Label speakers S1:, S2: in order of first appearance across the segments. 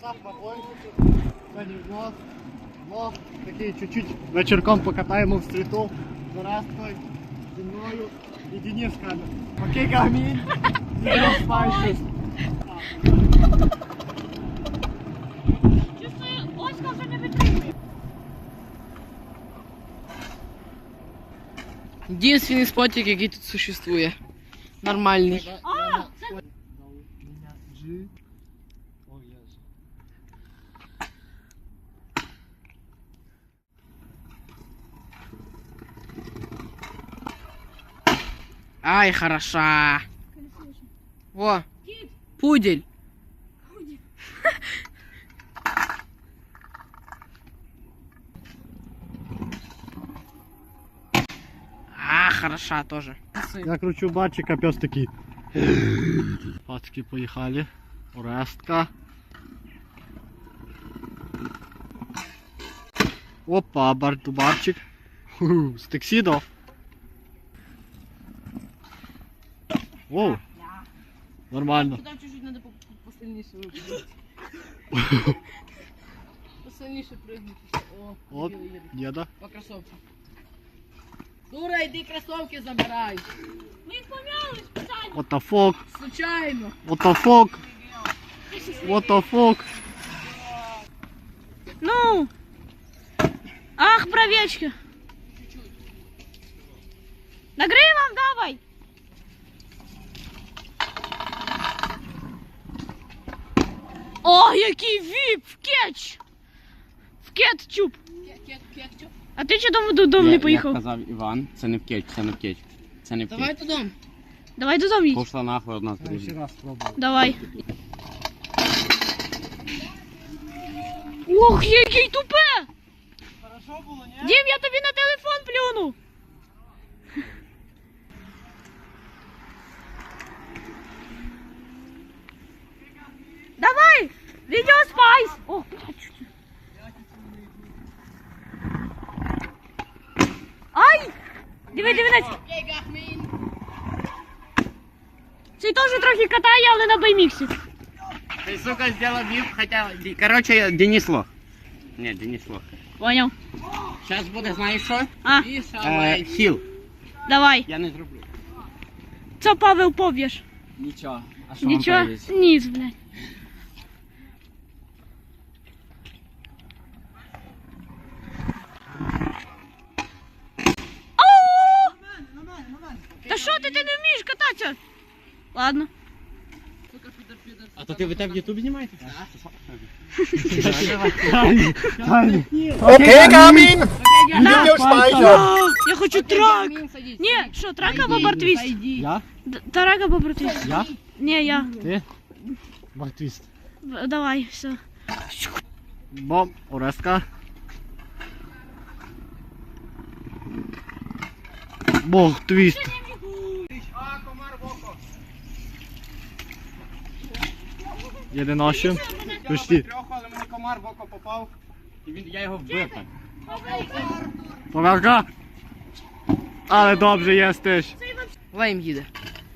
S1: Сап на бойку. Сьогодні влог. Такий чуть-чуть вечірком покатаємо в стріту. З Оресткою, зі мною і Дениском. Окей, Гармін. Не спайшись.
S2: Чувствую, Оська вже не витримує.
S3: Единственный спотик, який тут существує. Нормальний.
S2: А, це...
S3: Ай, хороша. О,
S2: Кіт.
S3: пудель. А, хороша тоже.
S1: Я кручу барчика, пес такий. Пацки поїхали. Орестка. Опа, барчик. З тексідо. Оу. Нормально.
S3: Туда чуть-чуть надо посильніше випустити. Посильніше прыгнути. О,
S1: От,
S3: їде.
S1: деда.
S3: По кроссовкам. Дура, иди кроссовки забирай.
S2: Ми їх помяли спеціально.
S1: What the fuck?
S3: Случайно.
S1: What the fuck? What the fuck?
S2: Ну. Ах, бровечки. Нагривом давай. О, який віп! В кетч! В кетчуп!
S3: Кетчуп.
S2: А ти чого додому не поїхав?
S4: Як казав Іван, це не в кетч, це не в кетч. Це не в
S3: Давай
S4: кетч.
S3: додому.
S2: Давай додому їдь.
S4: Пошла нахуй одна з
S1: Я ще
S4: друзів.
S1: раз спробую.
S2: Давай. Ох, який тупе!
S1: Хорошо було, ні?
S2: Дім, я тобі на телефон плюну. Давай! Відео спайс! О, блядь, чуть-чуть. Ай! Диви, дивись. Цей теж трохи катає, але на байміксі.
S4: Ти, сука, зробив віп, хоча... Короче, Денис лох. Ні, Денис лох.
S2: Поняв.
S4: Зараз буде, знаєш що?
S2: А,
S4: Хіл.
S2: давай.
S4: Я не зроблю.
S2: Це Павел поб'єш.
S4: Нічого. А що
S2: Нічого?
S4: вам повісить?
S2: Ніц, блядь. Та що ти не вмієш кататися? Ладно.
S4: А то ти в Ютуб знімаєте?
S1: Окей, Гармін!
S2: А, я хочу трак. Ні, що, трак або бортвіст?
S1: Я?
S2: Трак або бортвіст?
S1: Я?
S2: Ні, я.
S1: Ти? Бартвіст.
S2: Давай, все.
S1: Бом, Орестка. Бог, твіст. Єдинощим. Почти.
S4: Трьох, але мені комар в око попав. І я його вбив так.
S1: Поверка. Але добре їстиш.
S3: Лайм їде.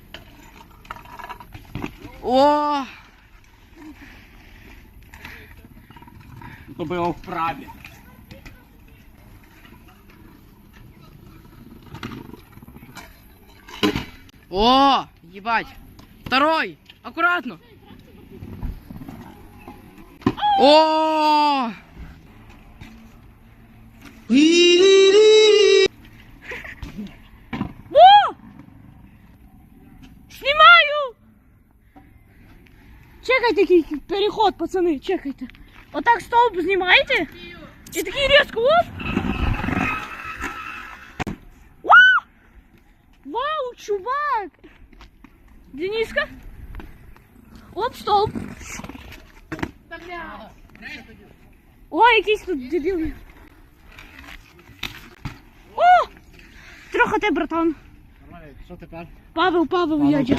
S3: О!
S4: То би його вправі.
S3: О! Ебать! Второй! Аккуратно! О!
S2: Знімаю! Чекайте, який переход, пацани, чекайте. Отак стовп знімаєте? І такий різко, оп! Вау! Вау, чувак! Дениска? Оп, стовп! Ой, якийсь тут дебіл. О! Трохи те, братан.
S1: Що тепер?
S2: Павел, я.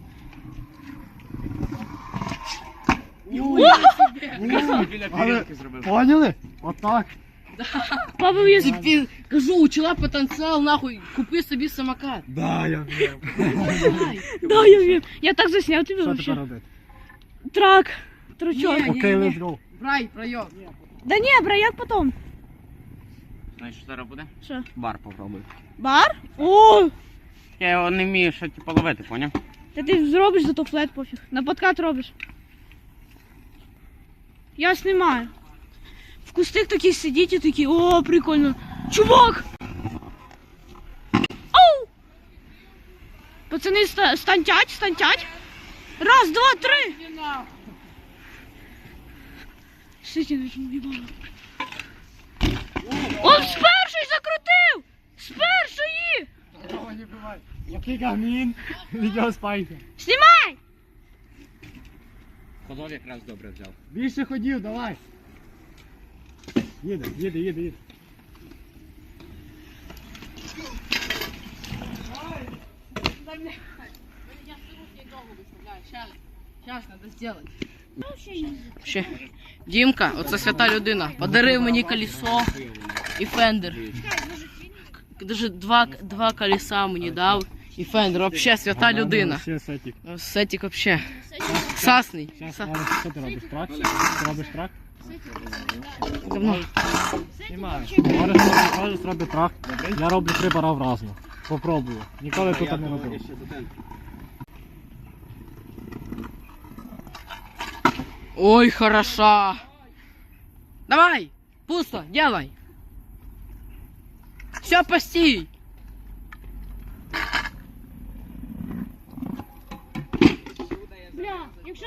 S4: Біля тарілки зробив.
S1: Поняли? Отак.
S2: Павел, я.
S3: Теперь, кажу, у чела потенциал, нахуй, купи собі самокат.
S1: Да, я вмію.
S3: Давай.
S2: Да, я вмію. Я так засняв тобі
S1: Що
S2: вообще.
S1: тепер робити?
S2: Трак. Стручок.
S3: Ні.
S1: Окей, let's go.
S3: Брай, пройом.
S2: Да ні, браяк потом.
S4: Знаєш, що зараз буде?
S2: Що?
S4: Бар попробуй.
S2: Бар? О!
S4: Я його не вмію, що типу ловити, поняв?
S2: Та ти зробиш, зато флет пофіг. На подкат робиш. Я знімаю. В кустах такі сидіть і такі, о, прикольно. Чувак! Оу! Пацани, стантять. Раз, два, три. Сидіть, в'їбало. Он з першої закрутив! З першої!
S1: Такого не буває. Який гамін. Відео спайте.
S2: Знімай!
S4: Ходов якраз добре взяв.
S1: Більше ходів, давай. Їде.
S3: Я не довго виставляю. Зараз треба зробити.
S2: Ще.
S3: Дімка, оце свята людина. Подарив мені колесо і фендер. Даже два колеса мені дав і фендер. Вообще свята людина.
S1: Ще сетик.
S3: Сетик вообще. Сасний.
S1: Зараз, що ти робиш, трак? Ти робиш трак?
S3: Давно.
S1: Знімаю. Можеш зробити трак. Я роблю 3 бара вразно. Попробую. Ніколи тут не робив.
S3: Ой, хороша. Давай, пусто, делай. Все, постій.
S2: Бля, якщо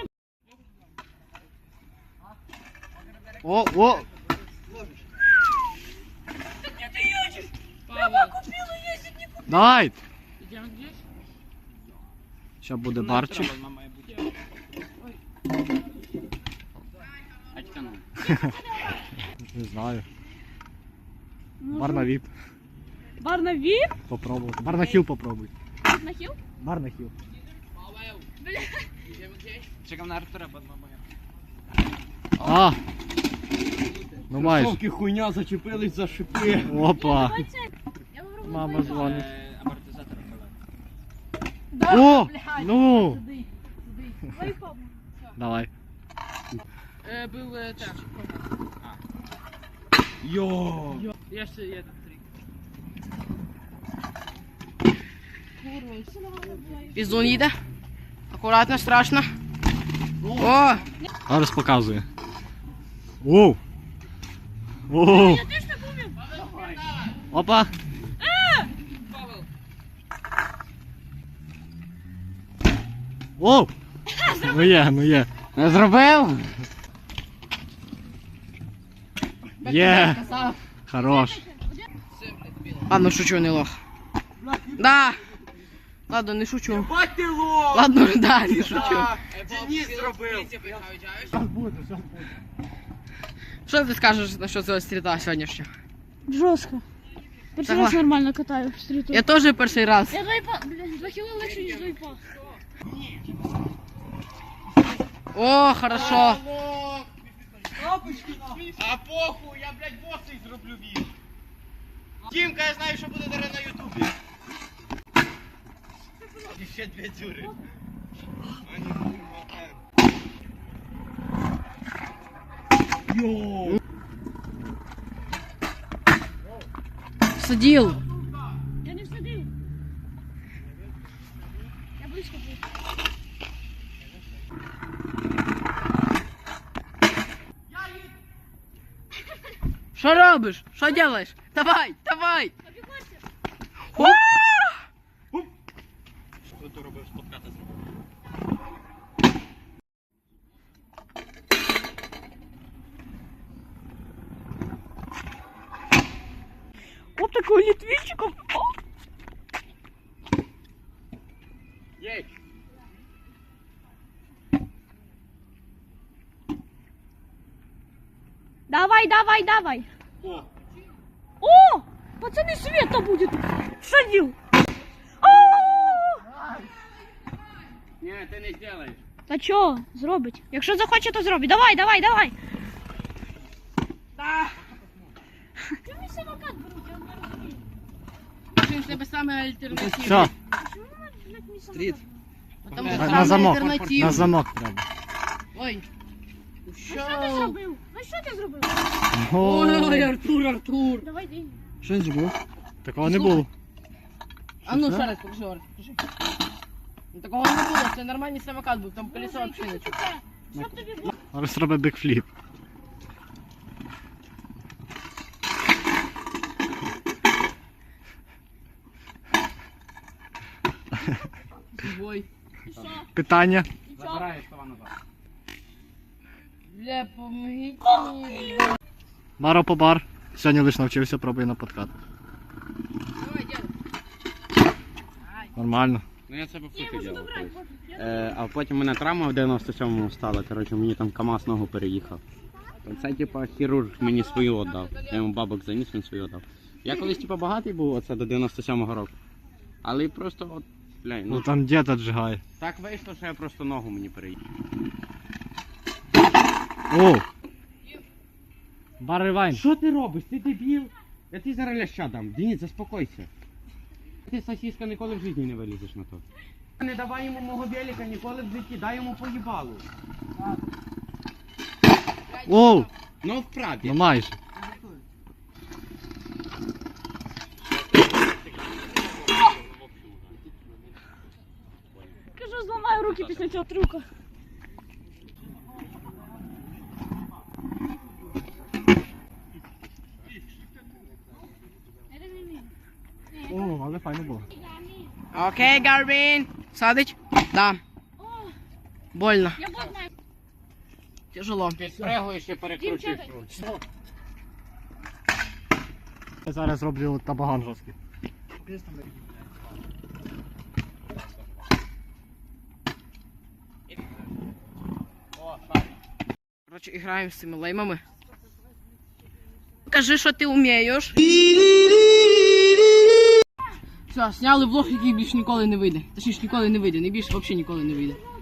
S1: О! Давай! Сейчас буде барчик. Не знаю. Бар на віп.
S2: бар на віп?
S1: Попробувати. Бар на хіл попробуй.
S2: На хіл?
S1: Бар на хіл.
S4: Чекав на Артура під мамою.
S1: А! Ну майже.
S4: Тільки хуйня зачепились за шипи.
S1: Опа!
S2: Давай це. Я попробую.
S1: Мама дзвонить.
S4: Амортизатор
S1: О! Ну!
S2: Давай папу.
S1: Давай.
S3: Был так.
S4: Йо!
S3: Я ще є трик. Піздун їде. Акуратно, страшно. О!
S1: Зараз показує. Оу! Оу!
S2: Я теж так умів.
S1: Опа! Оу! Ну є.
S4: Не зробив?
S1: Є! Хорош.
S3: Ладно, шучу, не лох. Да. Ладно, не шучу.
S4: Бать ти лох!
S3: Ладно, да, не шучу.
S4: Денис зробив.
S1: Зараз буде.
S3: Що ти скажеш насчет цього стріта сьогоднішнього?
S2: Жорстко. Перший
S3: Давай.
S2: раз нормально катаю в стріту.
S3: Я теж перший раз.
S2: Я двойпа, блін, 2 кіло легше, ніж двойпа.
S3: О, хорошо.
S4: А похуй, я, блядь, босий зроблю віз. Тімка, я знаю, що буде зараз на ютубі. І ще 2 дзюри. Йоу!
S3: Сидів.
S2: Я не всадив. Я близько був.
S3: Що робиш? Що робиш? Давай. О!
S4: Що ти робив з подката зробив?
S2: Оп, такого літвінчиком.
S4: Єть!
S2: Давай.
S4: О!
S2: О! Пацаны, света будет! Садил!
S4: Ні, ти не зробиш.
S2: Та чо, зробить? Якщо захоче, то зробить. Давай! Ти мій самокат беруть, я не розумію.
S3: Він в тебе саме альтернативний.
S1: Все,
S2: Чому вона, блядь, мій самокат?
S3: Стріт. Потому що
S1: на
S3: саме
S1: замок.
S3: альтернативний.
S1: На замок треба.
S3: Ой.
S2: Що ти зробив? Ну що ти зробив?
S3: Ой, Артур.
S2: Давай деньги.
S1: Що він зробив? Такого не було.
S3: А ну
S1: Що?
S3: ще раз покажи, Орес, покажи. Ну, такого не було, це нормальний самокат був, там колесо взагалі не чуло.
S2: Щоб тобі було?
S1: Зараз робить бекфліп.
S3: Ой.
S2: І що?
S1: Питання.
S2: І що?
S4: Забираю слова назад.
S3: Бля, помогите мені.
S1: Маро по бар. Сьогодні лише навчився, пробую на подкат.
S3: Давай, дядя.
S1: Нормально.
S4: Ну я це по
S2: Ні,
S4: футі
S2: можу
S4: ділав.
S2: добрати, пофіг. Я
S4: А потім мене травма в 97-му стала, коротше, мені там КамАЗ ногу переїхав. Це типа хірург мені свою віддав. Я йому бабок заніс, він свою віддав. Я колись типа багатий був, оце до 97-го року. Але просто от, бля,
S1: Ну
S4: ну
S1: там дід отжигає.
S4: так вийшло, що я просто ногу мені переїхав.
S1: О! Бар ревайн.
S4: Що ти робиш? Ти дебіл? Я ти зараз ляща дам. Денис, заспокойся. Ти сосиска ніколи в житті не вилізеш на то. Не давай йому мого велика ніколи в житті, дай йому поїбалу.
S1: Оу!
S4: Ну вправді.
S1: Ну майже.
S2: кажу, зламаю руки після цього трюка.
S1: О, але файно було.
S3: Окей, Гарвін. Садить? Да.
S2: О,
S3: Больно.
S2: я вот знаю.
S3: Тяжело.
S4: Підпригуєш і перекручуєш
S2: Дівчата.
S4: руч.
S1: Я зараз роблю табаган жорсткий.
S3: Короче, играем с цими леймами. Покажи, що ти вмієш. Все, сняли влог, який більше ніколи не вийде. Точніше, ніколи не вийде, не більше взагалі ніколи не вийде.